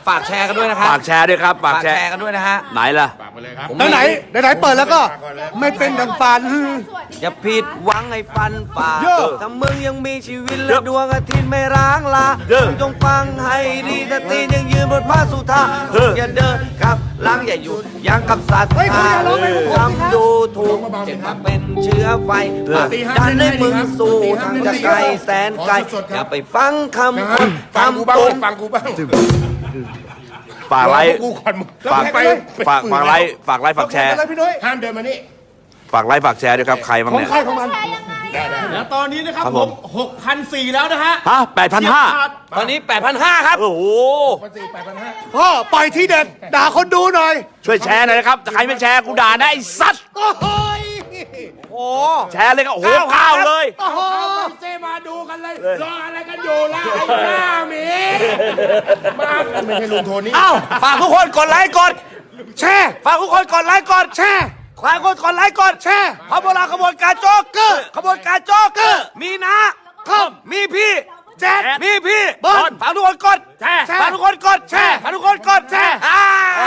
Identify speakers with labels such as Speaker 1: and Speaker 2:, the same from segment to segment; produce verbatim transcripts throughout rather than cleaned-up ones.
Speaker 1: ฝากแชร์กันด้วยนะครับ
Speaker 2: ฝากแชร์ด้วยครับฝาก
Speaker 1: ฝาก
Speaker 2: แช
Speaker 1: แช
Speaker 2: ร์
Speaker 1: ร์กันด้วยนะฮะ
Speaker 2: ไหนล่ะ
Speaker 3: ฝากไปเลยครับ
Speaker 4: ไหนไหนไหนเปิดแล้วก็ไม่เป็นดังฝัน
Speaker 1: อย่าผิดหวังให้ฟันฝ่า
Speaker 4: เยอะ
Speaker 1: ถ้ามึงยังมีชีวิตและดวงอาทิตย์ไม่ร้างลา
Speaker 2: เยอะ
Speaker 1: มึงจงฟังให้ดีถ้าตีนยังยืนบนผ้าสุธา
Speaker 2: เออ
Speaker 1: อย่าเดินกลับหลังอย่าหยุดยังกับสัตว์
Speaker 4: เฮ้ยคุณอย่าร้องไปผมสิครับ
Speaker 1: ทำดูถูกเจ็บมาเป็นเชื้อไฟดันให้มึงสู้ทางจะไกลแสนไกลอย่าไปฟังคำคน
Speaker 3: ฟังกูบ้าง
Speaker 1: คำตุน
Speaker 3: ฟังกูบ้าง
Speaker 2: ฝากไลค์
Speaker 3: กูก่อนมึง
Speaker 2: ฝาก
Speaker 3: ไป
Speaker 2: ฝากฝากไลค์ฝากไลค์ฝากแชร์
Speaker 4: อะไรพี่นุ้ย
Speaker 3: ห้ามเดินมานี่
Speaker 2: ฝากไลค์ฝากแชร์ด้วยครับใครบ้าง
Speaker 4: ของ
Speaker 2: เนี่ย
Speaker 4: ใครของมัน
Speaker 5: แล้วตอนนี้นะครับ
Speaker 2: ครับ
Speaker 5: ผ
Speaker 2: ผม
Speaker 5: มหกพันสี่แล้วนะฮะ
Speaker 2: ฮะแปดพันห้า
Speaker 1: ตอนนี้ แปดพันห้าร้อย ครับ
Speaker 2: โอ้โห
Speaker 3: พันสี่แปดพันห้า
Speaker 4: พ่อปล่อยที่เด็ดด่าคนดูหน่อย
Speaker 2: ช่วยแชร์หน่อยนะครับถ้าใครไม่แชร์กูด่านะไอ้สัตว์
Speaker 4: โอ้โหย
Speaker 1: โอ้
Speaker 2: แชร์เลยครับโอ้โหข้าวเลย
Speaker 4: โอ้โห
Speaker 3: เซมาดูกันเลยรออะไรกันอยู่ล่ะไอ้หน้าหมีมาไม่ใช่ลุงโทนี่
Speaker 1: เอ้าฝากทุกคนกดไลค์กด
Speaker 4: แช่
Speaker 1: ฝากทุกคนกดไลค์กด
Speaker 4: แช่
Speaker 1: ฝากทุกคนกดไลค์กดแชร์ขบวนการขบวนการโจ๊กเกอร์ขบวนการโจ๊กเกอร์มีนะคอมมีพี่แจ๊ดมีพี่บอลฝากทุกคนกดแชร์ฝากทุกคนกดแชร์ฝากทุกคนกดแชร์อ่า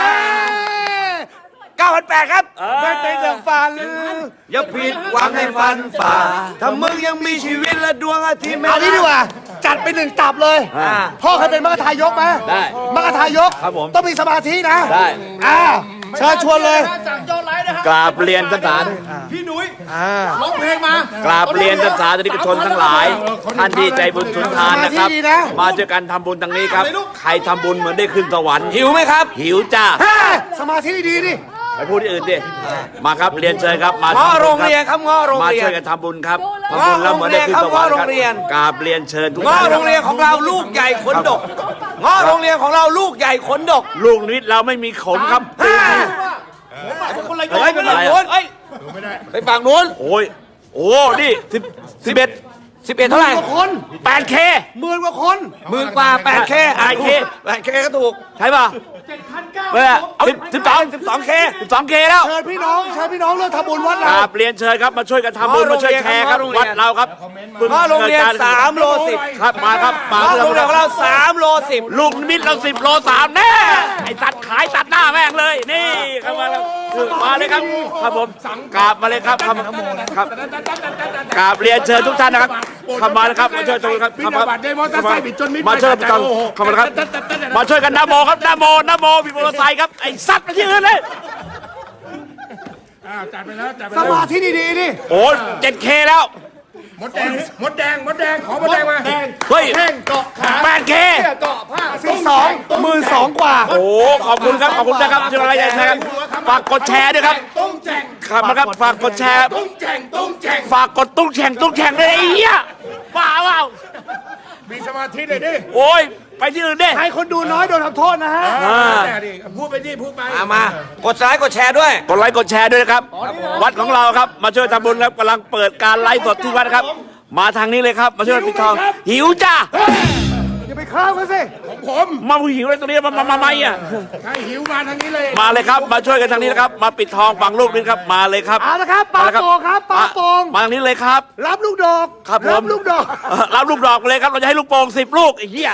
Speaker 1: เก้าพันแปดครับ
Speaker 4: ไม่เป็นดังฝัน
Speaker 1: อย่าผิดหวังให้ฟันฝ่าถ้ามึงยังมีชีวิตและดวงอาทิตย์ไม่
Speaker 4: เอานี้ดีกว่า จัดไปหนึ่งตับเลย
Speaker 1: อ่า
Speaker 4: พ่อเคยเป็นมรรคทายกไหม
Speaker 2: ได้
Speaker 4: มรรคทายก
Speaker 2: ครับผม
Speaker 4: ต้องมีสมาธินะ
Speaker 2: ได้
Speaker 4: อ่าเชิญชวนเลย
Speaker 5: จากยอดไลค์นะฮะ
Speaker 2: กราบเรียนท่านสาธุ
Speaker 5: พี่หนุ่ย
Speaker 4: อ่า
Speaker 5: ร้องเพลงมาก
Speaker 2: ราบเรียนท่านสาธุนิกชนทั้งหลาย ท่านที่ใจบุญสุนทานนะครับ
Speaker 4: สมาธิดีนะ
Speaker 2: มาเจอกันทำบุญทางนี้ครับ ใครทำบุญเหมือนได้ขึ้นสวรรค์
Speaker 1: หิวไหมครับ
Speaker 2: หิวจ้า
Speaker 4: เฮ้ยสมาธิดีๆดิ
Speaker 2: ไปพูดที่อื่นดิมาครับเรียนเชิญครับมา
Speaker 1: ง้อ
Speaker 2: ทำบุญ
Speaker 1: โรงเรียนครับง้อโรง
Speaker 2: มา
Speaker 1: เรียน
Speaker 2: ช่วยกันทำบุญครับทำบุญแล้วเหมือนได้ขึ้นสวรรค์
Speaker 1: ง้อโร
Speaker 2: ครับ
Speaker 1: งเรียน
Speaker 2: กราบเรียนเชิญทุก
Speaker 1: ง้อ
Speaker 2: ท่าน
Speaker 1: โรงเรียนของเราลูกใหญ่ขนดกง้อโรงเรียนของเราลูกใหญ่ขนดก
Speaker 2: ลูกนิดเราไม่มีขนครับ
Speaker 1: ฮ่า
Speaker 5: คนละย
Speaker 1: เฮ้ย
Speaker 5: อด
Speaker 1: ไปฝั่งนู้นเฮ้ยไปฝั่งนู้น
Speaker 2: โอ้ยโอ้นี่สิบสิบเอ็ด
Speaker 1: สิบเอ็ดเท่าไหร่
Speaker 4: คน
Speaker 2: แปดเค
Speaker 4: หมื่นกว่าคน
Speaker 1: หมื่นกว่าแปดเค
Speaker 2: แปดเค
Speaker 1: แปดเคก็ถูก
Speaker 2: ใช่ป่ะ
Speaker 5: เจ็ดพันเก้า
Speaker 2: เมื่อสิบสิบสองสิบสองเคสิบสองเคแล้ว
Speaker 4: เชิญพี่น้องเชิญพี่น้องเรื่องทำบุญวัด
Speaker 2: ก
Speaker 4: เรา
Speaker 2: ราบเรียนเชิญครับมาช่วยกันทำบุญมาช่วยแชร์ครับวัดเราครับ
Speaker 1: ง้อโรงเรียนสามโลสิบ
Speaker 2: ครับมาครับมา
Speaker 1: ง้อโรงเรียนของเราสามโลสิบ
Speaker 2: ลูกนิดเราสิบโลสามแน่ไอ้ตัดขายตัดหน้าแม่งเลยนี่ครับมาครับมาเลยครับครับผมกราบมาเลยครับครับครับกราบเรียนเชิญทุกท่านนะครับเข้ามาเลยครับมาช่วยกันครับ
Speaker 3: พี่นบัตรได้มอเตอร์ไซค์บิดจนมิด
Speaker 2: มาช่วยกัน
Speaker 3: โอ้โห
Speaker 2: เข้ามาเลยครับมาช่วยกันนะโมครับนะโมนะโมมีมอเตอร์ไซค์ครับไอ้สัตว์ไปที่อื่นเลย
Speaker 3: อ่าจัดไปแล้วจัดไป
Speaker 4: ส
Speaker 3: แล้ว
Speaker 4: มาธิดีๆดิ
Speaker 2: โอ้เจ็ดเคแล้ว
Speaker 3: มดแดงมดแดงมดแดงขอมดแดงมา
Speaker 2: เฮ้ย
Speaker 3: แท่งเกาะขา
Speaker 2: แปดเค
Speaker 3: เกาะผ้า
Speaker 4: สิบสองหมื่นสองกว่า
Speaker 2: โอ้ขอบคุณครับขอบคุณนะครับที่มาไลฟ์นะครับฝากกดแชร์ด้วยครับ
Speaker 3: ตุ้งแจง
Speaker 2: ครับนะครับฝากกดแชร์
Speaker 3: ตุ้งแจงตุ้งแจง
Speaker 2: ฝากกดตุ้งแข่งตุ้งแข่งเลยไอ้เหี้ยบ้าเปล่า
Speaker 3: มีสมาธิเลยดิ
Speaker 2: โอ้ยไปที่อื่นดิ
Speaker 4: ใครคนดูน้อยโดนทำโทษนะฮะ
Speaker 3: แต่ดิพูดไปดิพูดไป
Speaker 1: มามากดไลค์กดแชร์ด้วย
Speaker 2: กดไลค์กดแชร์ด้วยนะครับ วัดของเราครับมาช่วยทำบุญครับกำลังเปิดการไลฟ์สดที่วัดครับ มาทางนี้เลยครับมาช่วยปิดทอง หิวจ้า
Speaker 4: อย่าไปข้ามเขาสิ
Speaker 3: ผม
Speaker 2: มาหิวเลยตรงนี้มามามาไม่อ่ะ
Speaker 3: ใครหิวมาทางนี้เลย
Speaker 2: มาเลยครับมาช่วยกันทางนี้นะครับ มาปิดทองฝังลูกนิดครับมาเลยครับ
Speaker 4: เอาละครับปลาโป่งครับปลาโป่ง
Speaker 2: มาทางนี้เลยครับ
Speaker 4: รับลูกดอก
Speaker 2: ครับผม
Speaker 4: รับลูกดอก
Speaker 2: เอ่อรับลูกดอกไปเลยครับ เราจะให้ลูกโป่งสิบลูกไอ้เหี้ย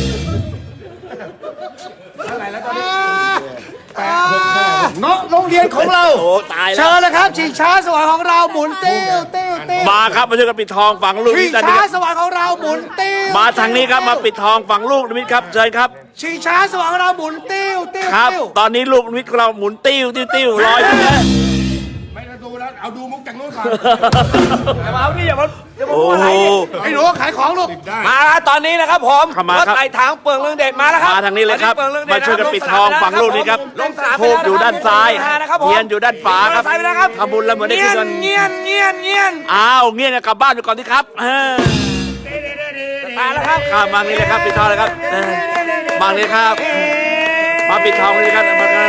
Speaker 4: เงาะโรงเรียนของเรา
Speaker 2: โอ้ตายแล้
Speaker 4: เชิ
Speaker 2: ว
Speaker 4: ญเลยครับชิงช้าสวรรค์ของเราหมุนติ้วติ้วติ้ว
Speaker 2: มาครับมาช่วยกันปิดทองฝังลูก
Speaker 4: ชิ
Speaker 2: นิ
Speaker 4: ง
Speaker 2: ดกัน
Speaker 4: ช้า
Speaker 2: นะครับ
Speaker 4: สวรรค์ของเราหมุนติ้ว
Speaker 2: มาทางนี้ครับมาปิดทองฝังลูกนิดครับเชิญครับ
Speaker 4: ชิงช้าสวรรค์ของเราหมุนติ้วติ้ว
Speaker 2: ครับ
Speaker 4: ติ้ว
Speaker 2: ตอนนี้ลูกนิดของเราหมุนติ้วติ้วติ้วลอยไปเลย
Speaker 3: ไม่ต้องดูแล้วเอาดูมุกจากนู้นก่อน
Speaker 1: เอาดิอย่ามาอย่ามา
Speaker 2: โอ้
Speaker 1: พูดอะไร
Speaker 2: โห
Speaker 1: ดิ
Speaker 4: ไอ้หนูขายของลูก
Speaker 3: ได้
Speaker 1: มาแล้วตอนนี้นะครับผม
Speaker 2: เข้ามาครับ
Speaker 1: ถไต่ถางเปลืองเรื่องเด็ดมาแล้วครับ
Speaker 2: มาทางนี้เลยครับ
Speaker 1: ตอนนี้เปลืองเรื่องเด็ด
Speaker 2: มาช่วยกันปิดทองฝังลูกนี้ครับ
Speaker 1: ลงสนามไป
Speaker 2: ทูบอยู่ด้านซ้าย
Speaker 1: นะครับผม
Speaker 2: เทียนอยู่ด้านขวาครับ
Speaker 1: มอเตอร์ไซค์ไปแล้วครับ
Speaker 2: ทำบุญแล้วเหมือนได้ขึ้นเงิน
Speaker 1: เงียนเงียนเงียน
Speaker 2: อ้าวเงี้ยกลับบ้านไปก่อนที่ครับเออ
Speaker 1: ตายแล้วครับ
Speaker 2: ครับมานี่เลยครับปิดทองเลยครับเออมาเลยครับ มาปิดทองเลยครับมาครับ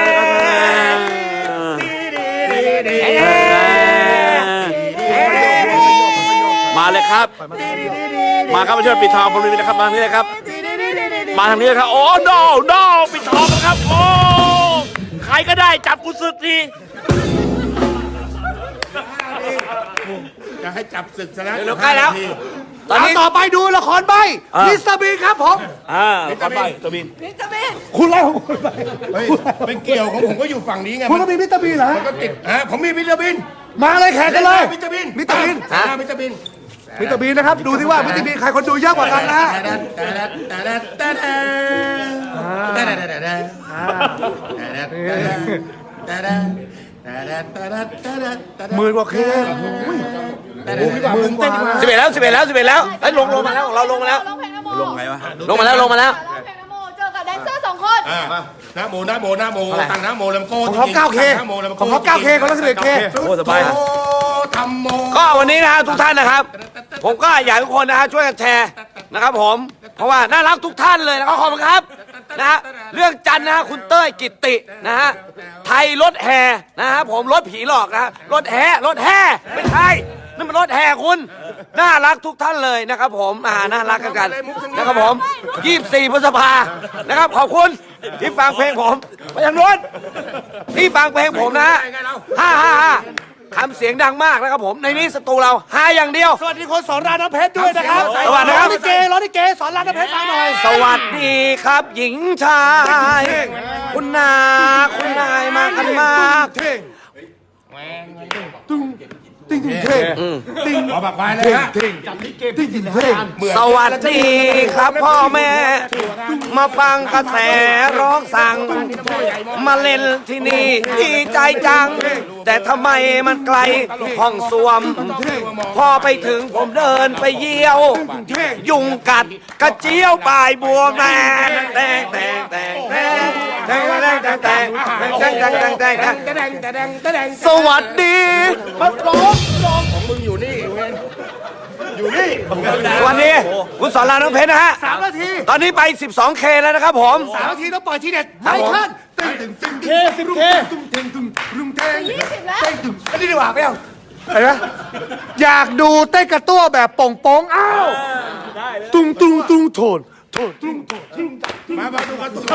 Speaker 2: มาเลยครับ มาครับมาช่วยปิดทองผมเลยนะครับมาทางนี้เลยครับ มาทางนี้เลยครับโอ้โนโนปิดทองนะครับโอ้ใครก็ได้จับกูสึกที
Speaker 3: จะให้จับศึกซะแล้ว
Speaker 1: เดี๋ยวใกล้แล้วตอนนี้
Speaker 4: ต่อไปดูละครใบ
Speaker 1: อ่ามิ
Speaker 4: มิสเตอร์บีนครับผม
Speaker 2: อ่าขอไปตัวบิน
Speaker 6: วิตามิน
Speaker 4: คุณไล่ของคุณไป
Speaker 3: เฮ้ยเป็นเกี่ยวของผมก็อยู่ฝั่งนี้ไง
Speaker 4: คุณ
Speaker 3: มั
Speaker 4: ก็
Speaker 3: น
Speaker 4: มีมิสเตอร์บีนเหรอฮะ
Speaker 3: ก็ติดฮะผมมีวิตามิน
Speaker 4: มาเลยแข่งกันเลย
Speaker 3: วิตามิน
Speaker 4: วิตามิน
Speaker 3: อ่าวิตามิน
Speaker 4: มิสเตอร์บีนนะครับ ดูที่ว่ามิสเตอร์บีนใครคนดูเยอะกว่ากันนะฮะ หมื่นกว่าเคส
Speaker 3: หมื่นกว่า
Speaker 1: สิบเอ็ดแล้วสิบเอ็ดแล้วสิบเอ็ดแล้วเฮ้ยลงลงมาแล้วของเราลงมาแล้ว
Speaker 6: ร้องเพลงนะโม
Speaker 2: ลงไงวะ
Speaker 1: ลงมาแล้วลงมาแล้ว
Speaker 6: ร้องเพลงนะโมเจอกับแดนเซอร์สองคน
Speaker 3: อ่านะโมนะโมนะโมตั้งนะโมลำโก้
Speaker 4: ของเขาเก้าเค
Speaker 3: นะโมลำ
Speaker 4: ข
Speaker 3: โก้
Speaker 4: องเขาเก้าเคของเราสิบเอ็ดเค
Speaker 2: โอ้สบาย
Speaker 3: โอ้ทำโม
Speaker 1: ก็วันนี้นะฮะทุกท่านนะครับ ผมก็อยากให้ทุกคนนะฮะช่วยกันแชร์นะครับผม เพราะว่าน่ารักทุกท่านเลยนะครับขอบคุณครับนะฮะเรื่องจันทร์นะฮะคุณเต้ยกิตตินะฮะไทยรถแห่นะฮะผมรถผีหลอกนะฮะรถแห่รถแห่ไม่ใช่นั่นมันรถแห่คุณน่ารักทุกท่านเลยนะครับผมอ่าน่ารักกันกันนะครับผมยี่สิบสี่พฤษภานะครับขอบคุณที่ฟังเพลงผมไปทางโน้นที่ฟังเพลงผมนะฮะห้าห้าห้าทำเสียงดังมากนะครับผมในนี้สตูเราหาอย่างเดียว
Speaker 4: สวัสดีคนสอนรามน้ำเพชรด้วยนะครับ
Speaker 1: สวัสดีครับ
Speaker 4: ร้องลิเกร้องลิเกสอนรามน้ำเพชรมาหน่อย
Speaker 1: สวัสดีครับหญิงชาย คุณนาคุณนายมากันมาก
Speaker 4: เท่งตุ้งติ้งติ้งเท่งติ้ง
Speaker 3: เอาบักไว้เลยฮะ
Speaker 4: เท่งติ้งติ้งเท่ง
Speaker 1: สวัสดีครับพ่อแม่ มาฟังกระแสร้องสั่ง มาเล่นที่นี่ดีใจจัง แต่ทำไมมันไกลห้องสวม พอไปถึงผมเดินไปเยี่ยว ยุงกัดกระเจียวปลายบัวแมงแตงแตงแตงแตงแตงแตงแตงแตงแตงแตงแตงแตงแตง
Speaker 3: ตะแดงตะแดงตะแดง
Speaker 1: สวัสดีมาร้อง
Speaker 3: ของมึงอยู่นี่เว้ยอยู่นี่
Speaker 1: สวัสดีคุณสอนรามน้องเพชรนะฮะ
Speaker 4: สามนาที
Speaker 1: ตอนนี้ไป สิบสองเค แล้วนะครับผม
Speaker 4: สามนาทีต้องปล่อยทีเด็ดไม่ขึ้นตึงตึงตึงเคสิบเคตุ้งเท่งตุ้งรุงเท่ง
Speaker 6: ยี่สิบแล้ว
Speaker 4: เต้นตึงอันนี้ดีกว่าไม่เอาเห็นไหมอยากดูเต้นกระตั้วแบบโป่งโป่งอ้าวตุ้งตุ้งตุ้งโทนโทนตุ้งโทนตุ้ง
Speaker 3: มามาดูกันตัว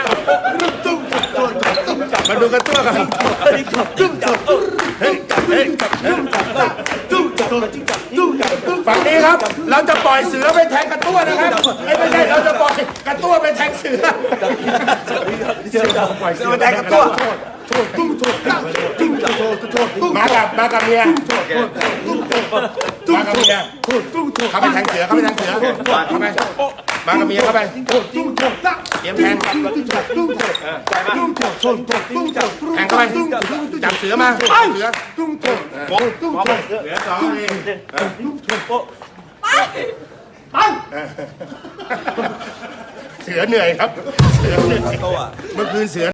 Speaker 3: มาดูกันตัวกันฝั่งนี้ครับ เราจะปล่อยเสือไปแทงกระตั้วนะครับไม่ใช่เราจะปล่อยกระตั้วไปแทงเสือ
Speaker 1: เสือมาแทงกระตั้ว
Speaker 3: มากับมากับเมียมากับเมียเข้าไปแทงเสือเข้าไปแทงเสือเข้าไปมากับเมียเข้าไปเตรียมแทงแทงเข้าไปจับเสือมาเสือเหลือสองนี่เสือเหนื่อยครับเสือเหนื่อยเมื่อคืนเสือ